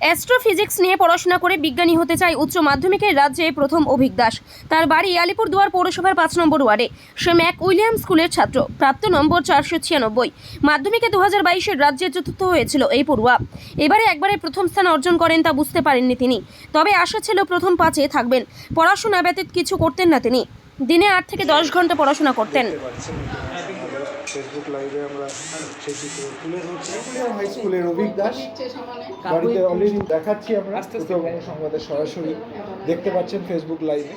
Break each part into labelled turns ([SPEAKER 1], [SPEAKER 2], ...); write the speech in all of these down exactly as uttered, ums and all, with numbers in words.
[SPEAKER 1] Astrophysics নিয়ে পড়াশোনা করে বিজ্ঞানী হতে চায় উচ্চ মাধ্যমিকের রাজ্যে প্রথম অভিক দাস। তার বাড়ি আলিপুরদুয়ার পৌরসভার পাঁচ নম্বর ওয়ার্ডে। সে ম্যাক উইলিয়াম স্কুলের ছাত্র, প্রাপ্ত নম্বর চারশো ছিয়ানব্বই। মাধ্যমিকে দু হাজার বাইশের রাজ্যে চতুর্থ হয়েছিল এই পড়ুয়া। এবারে একবারে প্রথম স্থান অর্জন করেন তা বুঝতে পারেননি তিনি। তবে আশা ছিল প্রথম পাঁচে থাকবেন। পড়াশোনা ব্যতীত কিছু করতেন না তিনি। দিনে আট থেকে দশ ঘন্টা পড়াশোনা করতেন।
[SPEAKER 2] ফেসবুক লাইভে আমরা সেই চিত্র তুলে ধরছি। হাই স্কুলের অভিক দাস বাড়িতে অলরেডি দেখাচ্ছি আমরা উত্তরবঙ্গ সংবাদে সরাসরি দেখতে পাচ্ছেন ফেসবুক লাইভে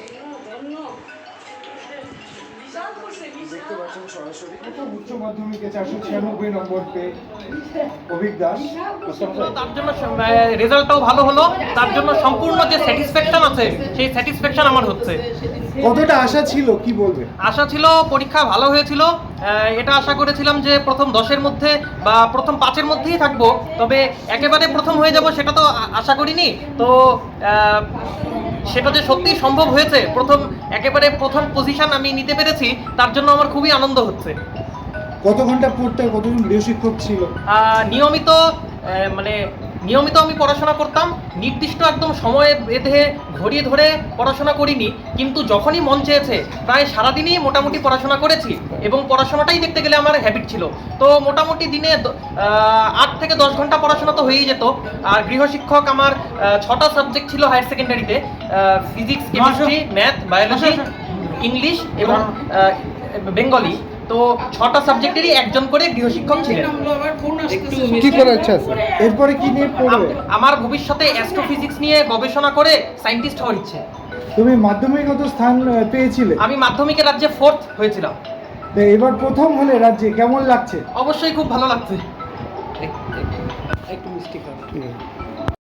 [SPEAKER 2] দেখতে পাচ্ছেন সরাসরি উচ্চ মাধ্যমিকে চারশো ছিয়ানব্বই নম্বর পেয়ে অভিক দাস।
[SPEAKER 3] তার জন্য রেজাল্টটাও ভালো হলো, তার জন্য সম্পূর্ণ যে স্যাটিসফ্যাকশন আছে সেই স্যাটিসফ্যাকশন আমার হচ্ছে।
[SPEAKER 2] কতটা আশা ছিল কি বলবে?
[SPEAKER 3] আশা ছিল পরীক্ষা ভালো হয়েছিল, এটা আশা করেছিলাম যে প্রথম দশের মধ্যে বা প্রথম পাঁচের মধ্যেই থাকবো, তবে একেবারে প্রথম হয়ে যাব সেটা তো আশা করিনি। তো সেটা যে সত্যি সম্ভব হয়েছে, প্রথম একেবারে প্রথম পজিশন আমি নিতে পেরেছি, তার জন্য আমার খুবই আনন্দ হচ্ছে।
[SPEAKER 2] কত ঘন্টা পড়তে, কতজন গৃহশিক্ষক ছিল?
[SPEAKER 3] নিয়মিত মানে নিয়মিত আমি পড়াশোনা করতাম, নির্দিষ্ট একদম সময়ে বেঁধে ঘড়ি ধরে পড়াশোনা করিনি, কিন্তু যখনই মন চেয়েছে প্রায় সারাদিনই মোটামুটি পড়াশোনা করেছি এবং পড়াশোনাটাই দেখতে গেলে আমার হ্যাবিট ছিল। তো মোটামুটি দিনে আট থেকে দশ ঘন্টা পড়াশোনা তো হয়েই যেত। আর গৃহশিক্ষক আমার ছটা সাবজেক্ট ছিল হায়ার সেকেন্ডারিতে, physics, chemistry, math, biology, English এবং বেঙ্গলি। তো ছটা সাবজেক্টেরই একজন করে গৃহশিক্ষক ছিলেন।
[SPEAKER 2] কি করার ইচ্ছা আছে? এরপরে কি নিয়ে পড়বে?
[SPEAKER 3] আমার ভবিষ্যতে অ্যাস্ট্রোফিজিক্স নিয়ে গবেষণা করে সায়েন্টিস্ট হওয়ার ইচ্ছে।
[SPEAKER 2] তুমি মাধ্যমিকগত স্থান পেয়েছিলে?
[SPEAKER 3] আমি মাধ্যমিকের রাজ্যে ফোর্থ হয়েছিলাম।
[SPEAKER 2] তো এবার প্রথম হলে রাজ্যে, কেমন লাগছে?
[SPEAKER 3] অবশ্যই খুব ভালো লাগছে।
[SPEAKER 2] একটু মিষ্টি খাও।